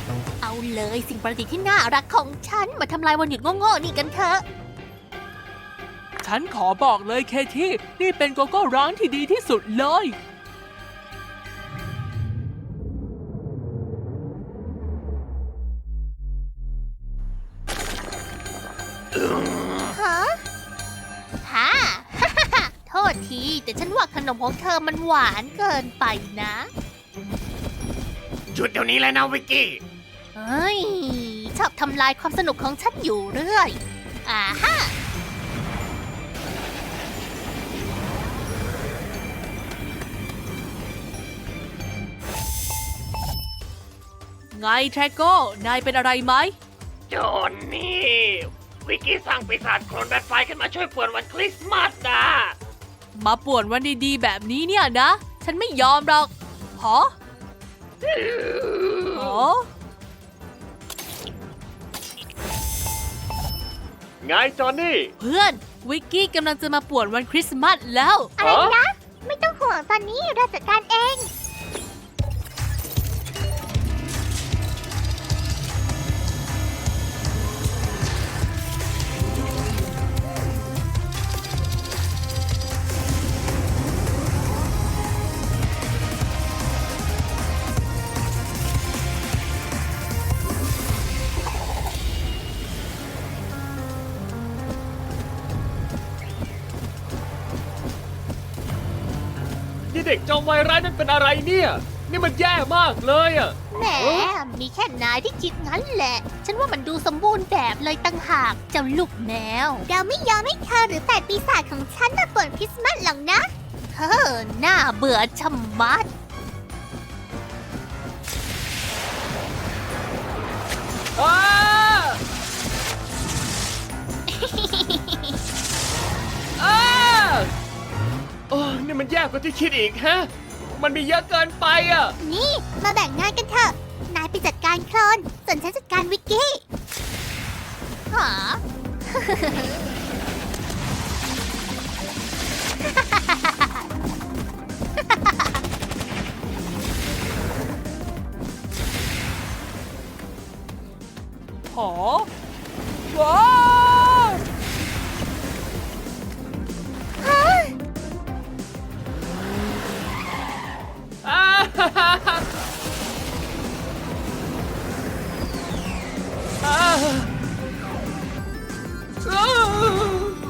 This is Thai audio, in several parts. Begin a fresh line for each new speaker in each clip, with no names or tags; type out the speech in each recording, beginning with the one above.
เอาเลยสิ่งประดิษฐ์ที่น่ารักของฉันมาทำลายวันหยุดโง่ๆนี่กันเถอะ
ฉันขอบอกเลยเคที่นี่เป็นโกโก้ร้อนที่ดีที่สุดเลย
ฮะฮ่า โทษทีแต่ฉันว่าขนมของเธอมันหวานเกินไปนะ
หยุดเดี๋ยวนี้เลยนะวิกกี้
เฮ้ย ชอบทำลายความสนุกของฉันอยู่เรื่อยอ่าฮะ
ไงแทรโก้ นายเป็นอะไรไหม
โจนนี่ วิกกี้สร้างปีศาจโคลนแบทไฟขึ้นมาช่วยป่วนวันคริสต์มาสนะ
มาป่วนวันดีๆแบบนี้เนี่ยนะ ฉันไม่ยอมหรอกหอหอ
ไงจอนนี่
เพื่อนวิกกี้กำลังจะมาป่วนวันคริสต์มาสแล้ว
อะไรนะ ไม่ต้องห่วงตอนนี้เราจัดการเอง
นี่เด็กจอมวายร้ายนั่นเป็นอะไรเนี่ย นี่มันแย่มากเลยอ่ะ
แหม มีแค่นายที่คิดงั้นแหละ ฉันว่ามันดูสมบูรณ์แบบเลยตั้งหากเจ้าลูกแมว เราไม่ยอมให้เธอหรือแต่ปีศาจของฉันมาป่วนคริสต์มาสหรอกนะเธอน่าเบื่อชะมัด
อ้าอ้าโอ้นี่มันแย่กว่าที่คิดอีกฮะ มันมีเยอะเกินไปอ่ะ
นี่ มาแบ่งงานกันเถอะ นายไปจัดการโคลนส่วนฉันจัดการวิกกี้หา
หอว้าว
อ้าฮ่าฮ่าฮ่าอ้าอ้า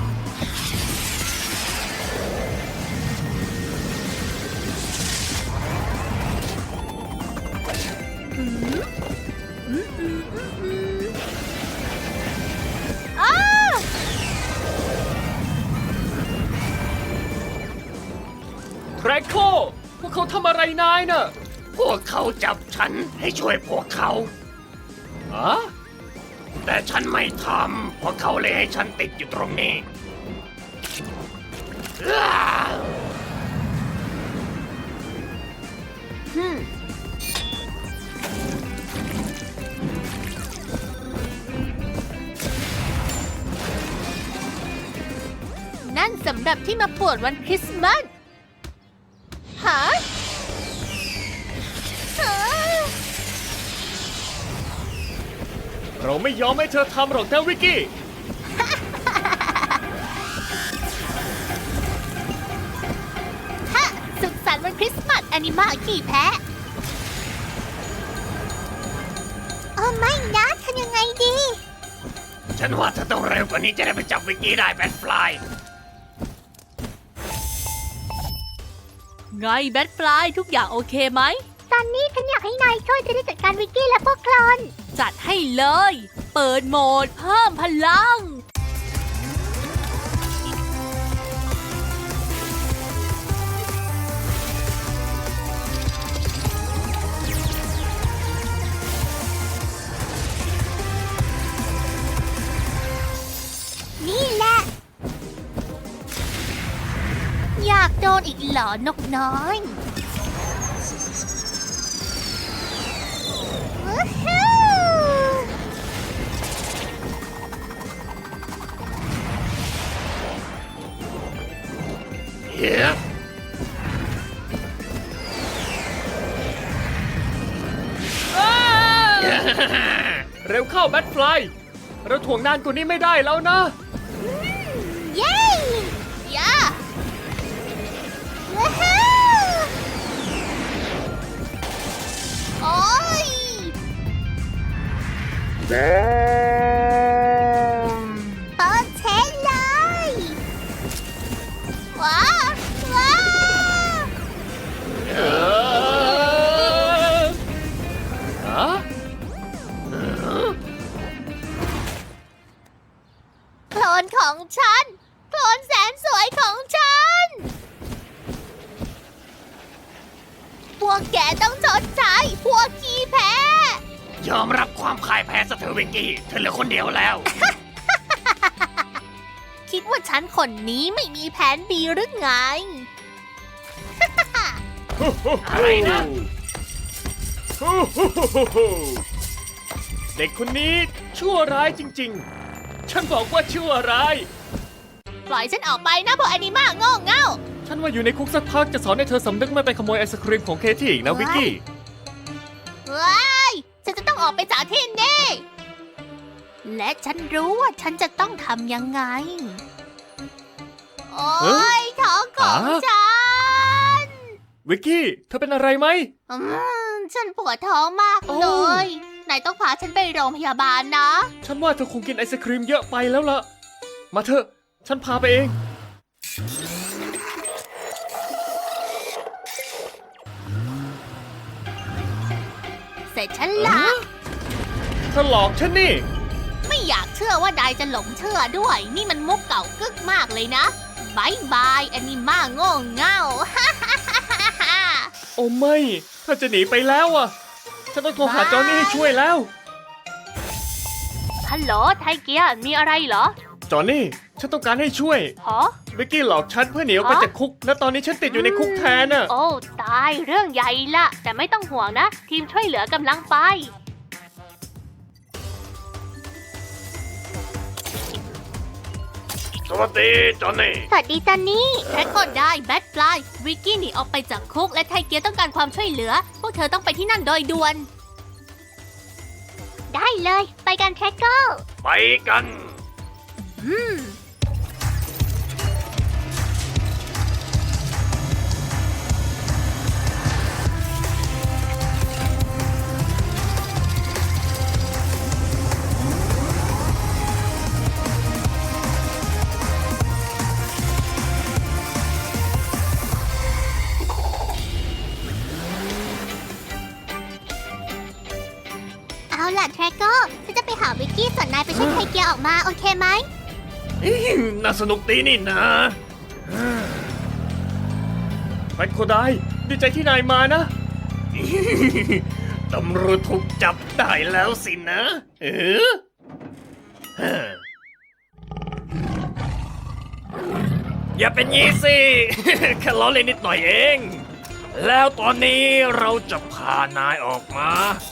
แทรโคพวกเขาทำอะไรนายน่ะ พวกเขาจับฉันให้ช่วยพวกเขาอะแต่ฉันไม่ทำเพราะเขาเลยให้ฉันติดอยู่ตรงนี้อ้าฮึม
นั่นสำหรับที่มาป่วนวันคริสต์มาสฮะฮะ
เราไม่ยอมให้เธอทำหรอกนะวิกกี้
ฮะสุขสันต์วันคริสต์มาสแอนิมาขี่แพะโอ้ไม่นะทำยังไงดี
ฉันว่าเธอต้องเร็วกว่านี้จะได้ไปจับวิกกี้ได้แบทฟลาย
ไงแบทฟลายทุกอย่างโอเคไหม
ตอนนี้ฉันอยากให้นายช่วยจะได้จัดการวิกกี้และพวกโคลน
จัดให้เลย เปิดโหมดเพิ่มพลัง
นี่แหละ อยากโดนอีกเหรอนกน้อยวู้ฮู้
เฮ้ยอ้าเร็วเข้าแบทฟลายเราถ่วงนานกว่านี้ไม่ได้แล้วนะ
เย้ย่าว้าวโอ้ยเปิดเทนเลยว้าวว้าว
ฮะ
โคลนของฉันโคลนแสนสวยของฉัน พวกแกต้องชดใช้พวกขี้แพ้
ยอมรับความพ่ายแพ้ซะเถอะวิกกี้ เธอเหลือคนเดียวแล้ว
คิดว่าฉันคนนี้ไม่มีแผน B หรือไง
อะไรนะ เด็กคนนี้ชั่วร้ายจริงๆ ฉันบอกว่าชั่วร้าย
ปล่อยฉันออกไปนะพวกแอนิมาโง่เง่า
ฉันว่าอยู่ในคุกสักพักจะสอนให้เธอสำนึกไม่ไปขโมยไอศครีมของเคที่อีกนะวิกกี้
ว้ายฉันจะต้องออกไปจากที่นี่ และฉันรู้ว่าฉันจะต้องทำยังไง โอ้ยท้องของ
ฮะ
ฉัน
วิกกี้ เธอเป็นอะไรไหม
ฉันปวดท้องมาก
โอ้
เลย นายต้องพาฉันไปโรงพยาบาลนะ
ฉันว่าเธอคงกินไอศครีมเยอะไปแล้วล่ะ มาเถอะ ฉันพาไปเอง
เสร็จฉันละ
เธอหลอกฉันนี่
ไม่อยากเชื่อว่านายจะหลงเชื่อด้วย นี่มันมุกเก่ากึกมากเลยนะบายบายแอนิมาโง่เง่า
โอ้ไม่เธอจะหนีไปแล้วอ่ะ ฉันต้องโทรหาจอห์นนี่ให้ช่วยแล้ว
ฮัลโหลไทเกียมีอะไรเหรอ
จอห์นนี่ ฉันต้องการให้ช่วย
ฮะ
วิกกี้หลอกฉันเพื่อหนีออกไปจากคุก และตอนนี้ฉันติดอยู่ในคุกแทนน่ะ
โอ้ตายเรื่องใหญ่ละแต่ไม่ต้องห่วงนะ ทีมช่วยเหลือกำลังไป
สวัสดีจอห์นนี่
สวัสดีจันนี่แท็กก็ได้แบทฟลายวิกกี้หนีออกไปจากคุกและไทเกียต้องการความช่วยเหลือ พวกเธอต้องไปที่นั่นโดยด่วน ได้เลยไปกันแท็กเกอร์
ไปกัน
เอาล่ะแท็กเกอร์ฉันจะไปหาวิกกี้ส่วนนายไปช่วยไทเกียออกมาโอเคไหม
น่าสนุกดีนี่นะแฟนโคไดดีใจที่นายมานะ ตำรวจถูกจับได้แล้วสินะอย่าเป็นงี้สิ แค่ล้อเล่นนิดหน่อยเอง แล้วตอนนี้เราจะพานายออกมา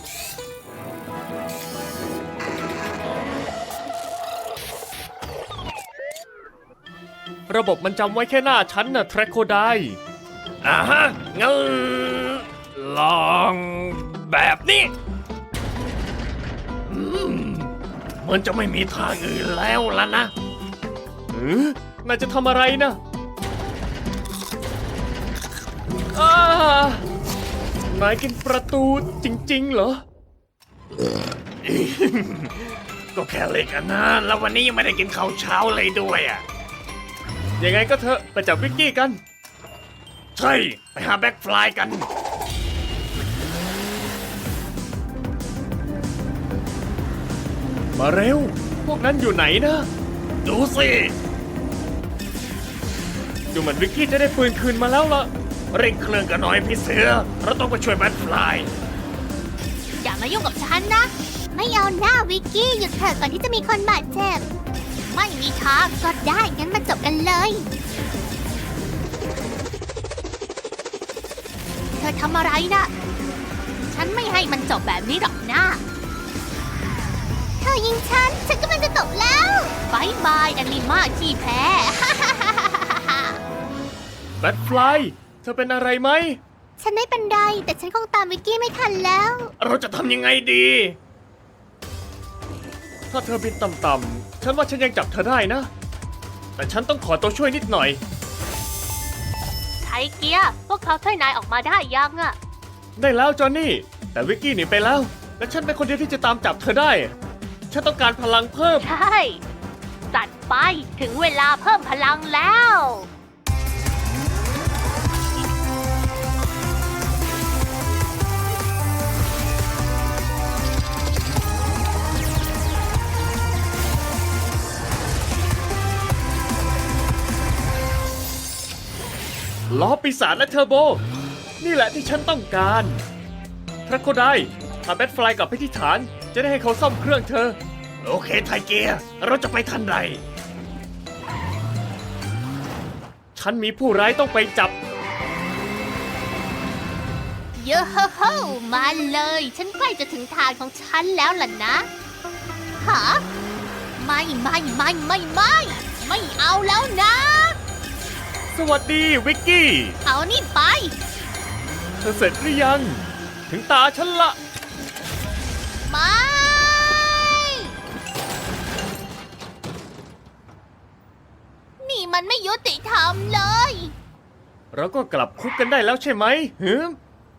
ระบบมันจำไว้แค่หน้าฉันน่ะแทร็กโคได้ฮะงั้นลองแบบนี้เหมือนจะไม่มีทางอื่นแล้วล่ะนะนายจะทำอะไรนะนายกินประตูจริงๆเหรอ ก็แค่เล็กนะแล้ววันนี้ยังไม่ได้กินข้าวเช้าเลยด้วยอ่ะ ยังไงก็เถอะไปจับวิกกี้กัน ใช่ ไปหาแบ็คฟลายกัน มาเร็ว พวกนั้นอยู่ไหนนะ ดูสิดูเหมือนวิกกี้จะได้ปืนคืนมาแล้วล่ะ เร่งเครื่องกันหน่อยพี่เสือ เราต้องไปช่วยแบ็คฟลาย
อย่ามายุ่งกับฉันนะ ไม่เอาหน้าวิกกี้หยุดเถอะก่อนที่จะมีคนบาดเจ็บ ไม่มีทางก็ได้งั้นมาจบกันเลย เธอทำอะไรนะ ฉันไม่ให้มันจบแบบนี้หรอกนะ เธอยิงฉันกำลังจะจบแล้วบายบายแอนิมาที่แพ้
แบ็คฟลาย เธอเป็นอะไรไหม
ฉันไม่เป็นไรแต่ฉันคงตามวิกกี้ไม่ทันแล้ว
เราจะทำยังไงดีถ้าเธอบินต่ำๆ ฉันว่าฉันยังจับเธอได้นะ แต่ฉันต้องขอตัวช่วยนิดหน่อย
ไทเกียร์พวกเขาช่วยนายออกมาได้ยังอะ
ได้แล้วจอห์นนี่ แต่วิกกี้หนีไปแล้ว และฉันเป็นคนเดียวที่จะตามจับเธอได้ ฉันต้องการพลังเพิ่ม
ใช่จัดไปถึงเวลาเพิ่มพลังแล้ว
ล้อปีศาจและเทอร์โบ นี่แหละที่ฉันต้องการพระโคไดพาแบทฟลายกลับไปที่ฐาน จะได้ให้เขาซ่อมเครื่องเธอ โอเคไทเกียร์เราจะไปทันใด ฉันมีผู้ร้ายต้องไปจับ
เยอะโฮมาเลย ฉันใกล้จะถึงทางของฉันแล้วล่ะนะฮะไม่เอาแล้วนะ
สวัสดีวิกกี้
เอานี่ไป
เธอเสร็จหรือยัง ถึงตาฉันละ
ไม่ นี่มันไม่ยุติธรรมเลย
เราก็กลับคุกกันได้แล้วใช่ไหมหืม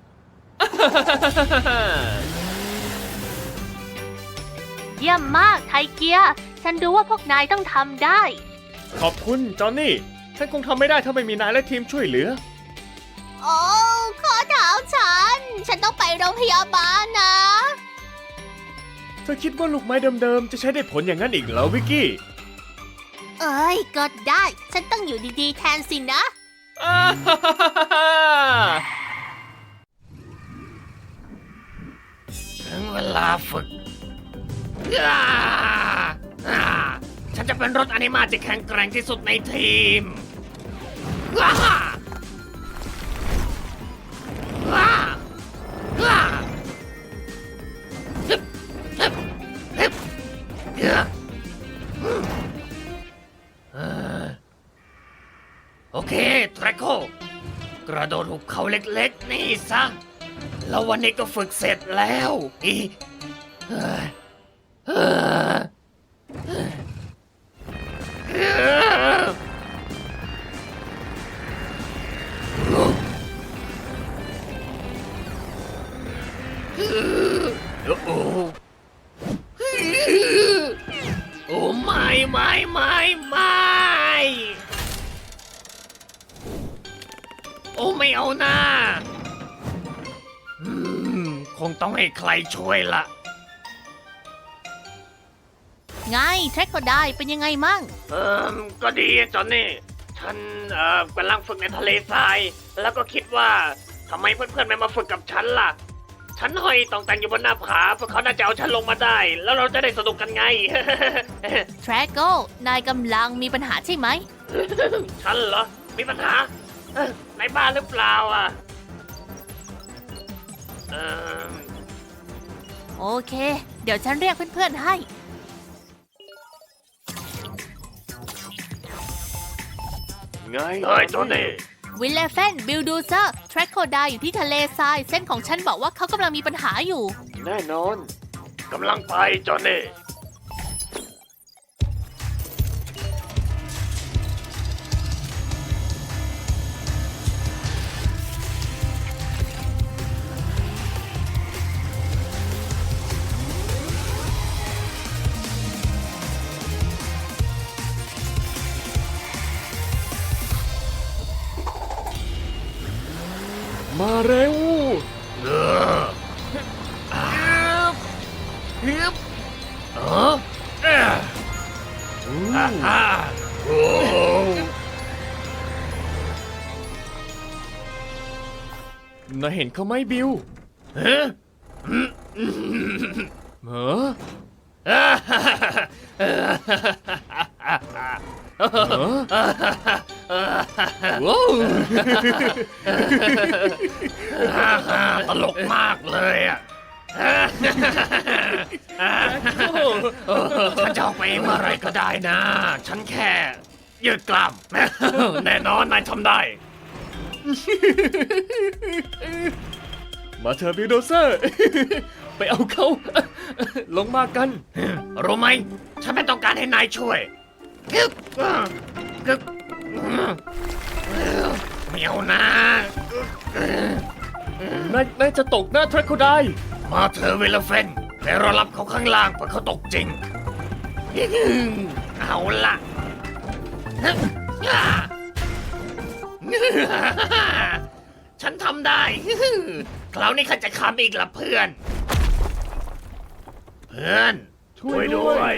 เยี่ยมมากไทเกียร์ฉันรู้ว่าพวกนายต้องทำได้
ขอบคุณจอห์นนี่ ฉันคงทำไม่ได้ถ้าไม่มีนายและทีมช่วยเหลือ
โอ้ข้อเท้าฉันต้องไปโรงพยาบาลนะ
เธอคิดว่าลูกไม้เดิมๆ จะใช้ได้ผลอย่างนั้นอีกเหรอวิกกี้
เอ้ยก็ได้ ฉันต้องอยู่ดีๆแทนสินะ
ถึงเวลาฝึก ฉันจะเป็นรถอนิมาที่แข็งแกร่งที่สุดในทีม โอเคแทร็กโคกระโดดหุบเขาเล็กๆ นี่ซะ แล้ววันนี้ก็ฝึกเสร็จแล้วอีเฮ้ยเฮ้ยโอ้โหโอ้ไม่โอ้ไม่เอาหน้าคงต้องให้ใครช่วยละ
ไงแทร็กก็ได้เป็นยังไงมั่ง
ก็ดีจอนนี่ ฉันกำลังฝึกในทะเลทราย แล้วก็คิดว่าทำไมเพื่อนๆไม่มาฝึกกับฉันล่ะ ฉันห้อยต่องแต่งอยู่บนหน้าผาพวกเขาน่าจะเอาฉันลงมาได้ แล้วเราจะได้สนุกกันไง
แทร็กโกนายกำลังมีปัญหาใช่ไหม
ฉันเหรอ มีปัญหาในบ้านหรือเปล่าอ่ะ
โอเค เดี๋ยวฉันเรียกเพื่อนๆให้
ไงเฮ้ยจอนนี่
วิลเลฟเฟนบิลดูเซอร์แทร็กโคไดอยู่ที่ทะเลทราย เส้นของฉันบอกว่าเขากำลังมีปัญหาอยู่
แน่นอนกำลังไปจอนนี่ มาเร็วฮึบนายเห็นเขาไหมบิวฮะเหรอว้าวตลกมากเลยอ่ะฉันจะออกไปเมื่อไรก็ได้นะ ฉันแค่ยืดกล้ามแน่นอนนายทำได้ มาเถอะบิลโดเซอร์ ไปเอาเขา ลลงมากัน รู้ไหม ฉันไม่ต้องการให้นายช่วยกึกกึกไม่เอานะนายจะตกหน้าทรัคโคไดมาเธอเวลเฟนแต่รอรับเขาข้างล่างเพราะเขาตกจริง เอาละฉันทำได้ คราวนี้ข้าจะขำอีกละเพื่อน เพื่อน ช่วยด้วย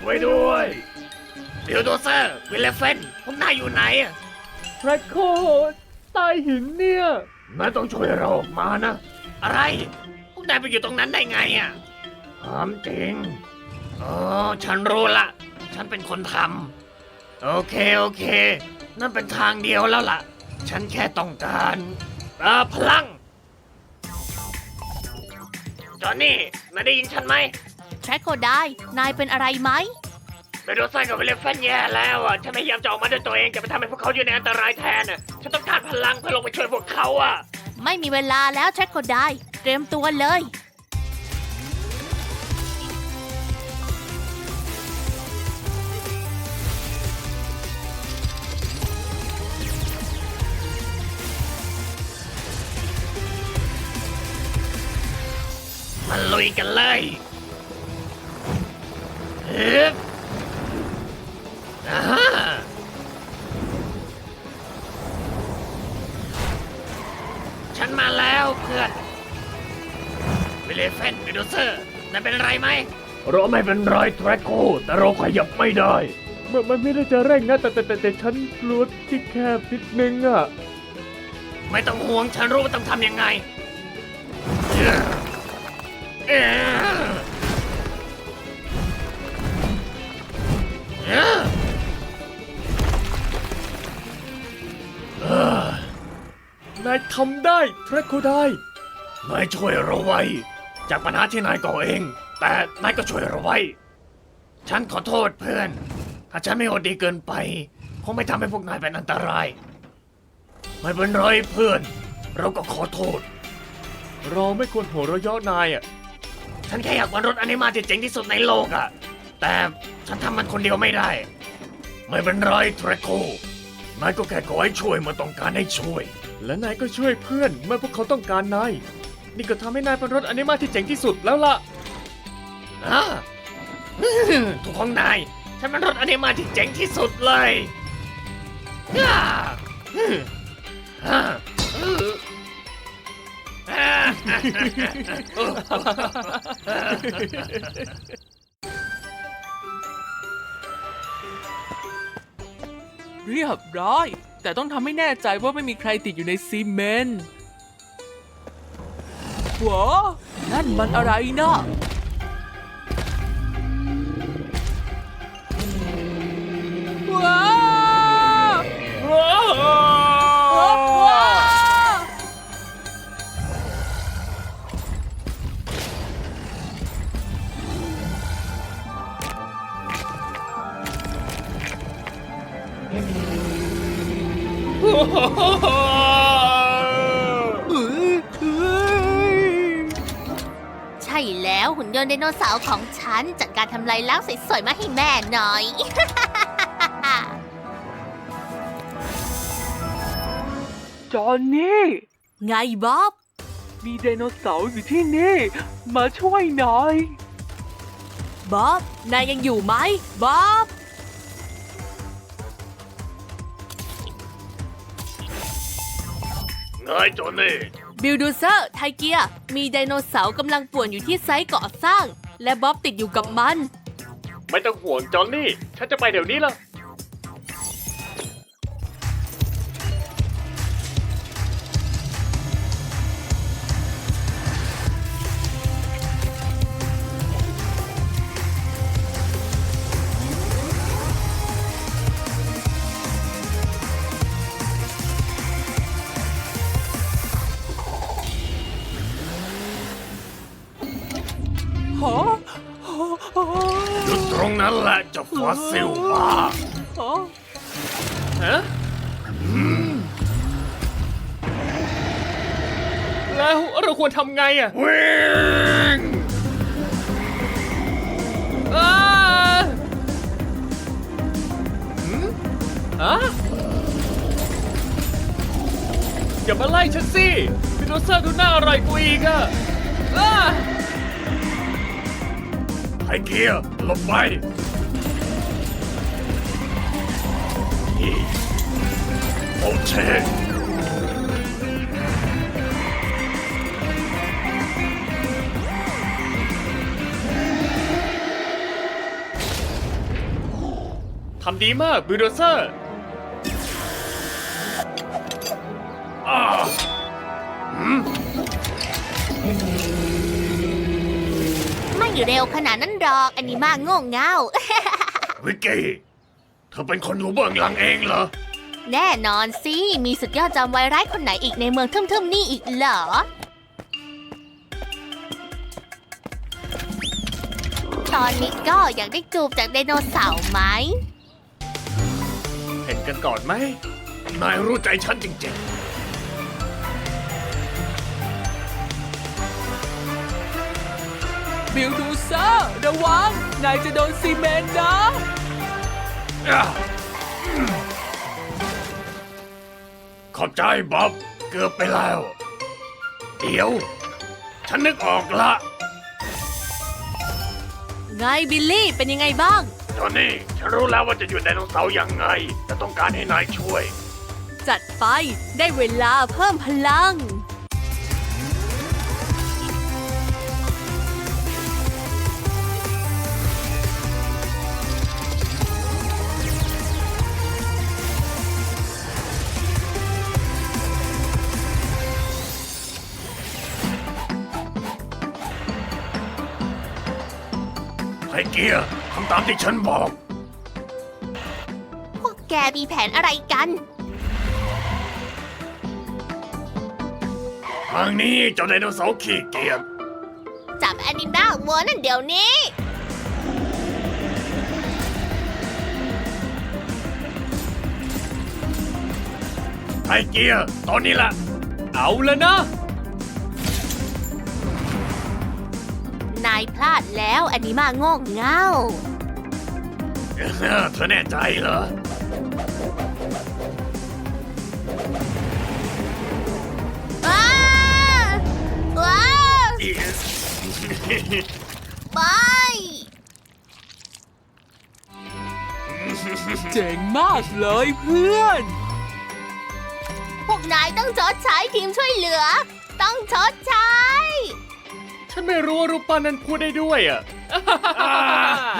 บิลโดเซอร์วิลเลฟเฟนพวกนายอยู่ไหนอะ
แทร็กโคใต้หินเนี่ย
นายต้องช่วยเราออกมานะ อะไร พวกนายไปอยู่ตรงนั้นได้ไงอะถามจริงอ๋อฉันรู้ละ ฉันเป็นคนทำโอเค นั่นเป็นทางเดียวแล้วล่ะ ฉันแค่ต้องการพลัง จอห์นนี่นายได้ยินฉันไหม
แทร็กโคได้ นายเป็นอะไรไหม
ไปโดนไส้กับวิลเลฟเฟนแย่แล้วอ่ะ ฉันพยายามจะออกมาด้วยตัวเองแต่ไปทำให้พวกเขาอยู่ในอันตรายแทนอ่ะ ฉันต้องการพลังเพื่อลงไปช่วยพวกเขาอ่ะ
ไม่มีเวลาแล้วแทร็กโคได้ เตรียมตัวเลย
มาลุยกันเลยฮึบอ่าฉันมาแล้วเพื่อนวิลเลฟเฟนเบโดเซอร์นั่นเป็นไรไหมเราไม่เป็นไรแทร็กโคแต่เราขยับไม่ได้
มันไม่ได้จะเร่งนะแต่ฉันกลัวที่แคบนิดนึงอ่ะ
ไม่ต้องห่วงฉันรู้ว่าต้องทำยังไง
นายทำได้แทร็กโคได้
นายช่วยเราไว้ จากปัญหาที่นายก่อเอง แต่นายก็ช่วยเราไว้ ฉันขอโทษเพื่อน ถ้าฉันไม่โหดดีเกินไป คงไม่ทำให้พวกนายเป็นอันตราย ไม่เป็นไรเพื่อน เราก็ขอโทษ
เราไม่ควรหัวเราะเยาะนายอ่ะ
ฉันแค่อยากวาดรถอนิมาที่เจ๋งที่สุดในโลกอะแต่ฉันทำมันคนเดียวไม่ได้ ไม่เป็นไรแทร็กโค นายก็แค่ขอให้ช่วยเมื่อต้องการให้ช่วย
และนายก็ช่วยเพื่อนเมื่อพวกเขาต้องการนาย นี่ก็ทำให้นายเป็นรถอนิมาที่เจ๋งที่สุดแล้วล่ะ
อ่า ถูกของนาย ฉันเป็นรถอนิมาที่เจ๋งที่สุดเลยอ่าอ่าอ่า
เรียบร้อย แต่ต้องทำให้แน่ใจว่าไม่มีใครติดอยู่ในซีเมนต์ว้านั่นมันอะไรนะว้าวว้าว
ใช่แล้วหุ่นยนต์ไดโนเสาร์ของฉัน จัดการทำลายล้างสวยๆมาให้แม่หน่อย
จอห์นนี่
ไงบ๊อบ
มีไดโนเสาร์อยู่ที่นี่ มาช่วยหน่อย
บ๊อบ นายยังอยู่ไหมบ๊อบ
ไงจอห์นนี่
บิลดูเซอร์ไทเกีย มีไดโนเสาร์กำลังป่วนอยู่ที่ไซต์ก่อสร้าง และบ๊อบติดอยู่กับมัน
ไม่ต้องห่วงจอห์นนี่ ฉันจะไปเดี๋ยวนี้ละ
ฮะ
หยุดตรงนั้นแหละเจ้าฟอสซิลบ้า
ฮะแล้วเราควรทำไงอ่ะ
วิ่งสิบิลโดเซอร์ดูน่าอร่อยกว่าอีกอะอ้าไฮเกียร์หลบไปนี่โอเช ทำดีมากบิลโดเซอร์
ไม่เร็วขนาดนั้นหรอกอันนี้มากโง่เง่า
วิกกี้ เธอเป็นคนรู้เบื้องหลังเองเหรอ
แน่นอนสิ มีสุดยอดจอมวายร้ายคนไหนอีกในเมืองทึ่มๆนี่อีกเหรอ ตอนนี้ก็อยากได้จูบจากไดโนเสาร์ไหม
เห็นกันก่อนไหม นายรู้ใจฉันจริง
บิลดูเซอร์ระวัง นายจะโดนซีเมนต์นะ
ๆขอบใจบ๊อบ เกือบไปแล้ว เดี๋ยว ฉันนึกออกละ
ไงบิลลี่เป็นยังไงบ้าง
จอนนี่ ฉันรู้แล้วว่าจะอยู่ไดโนเสาร์ยังไง แต่ต้องการให้นายช่วย
จัดไปได้เวลาเพิ่มพลัง
ไฮเกียร์ทำตามที่ฉันบอก
พวกแกมีแผนอะไรกัน
ทางนี้เจ้าไดโนเสาร์ขี้เกียจ
จับแอนิด้าวัวนั่นเดี๋ยวนี้
ไฮเกียร์ตอนนี้ละ
เอาแล้วนะ
นายพลาดแล้วแอนิมาโง่เง่า
เธอแน่ใจเหรอ
ว้าว้าไป
เจ๋งมากเลยเพื่อน
พวกนายต้องชดใช้ทีมช่วยเหลือ ต้องชดใช้
ฉันไม่รู้ว่ารูปปั้นนั้นพูดได้ด้วยอ่ะ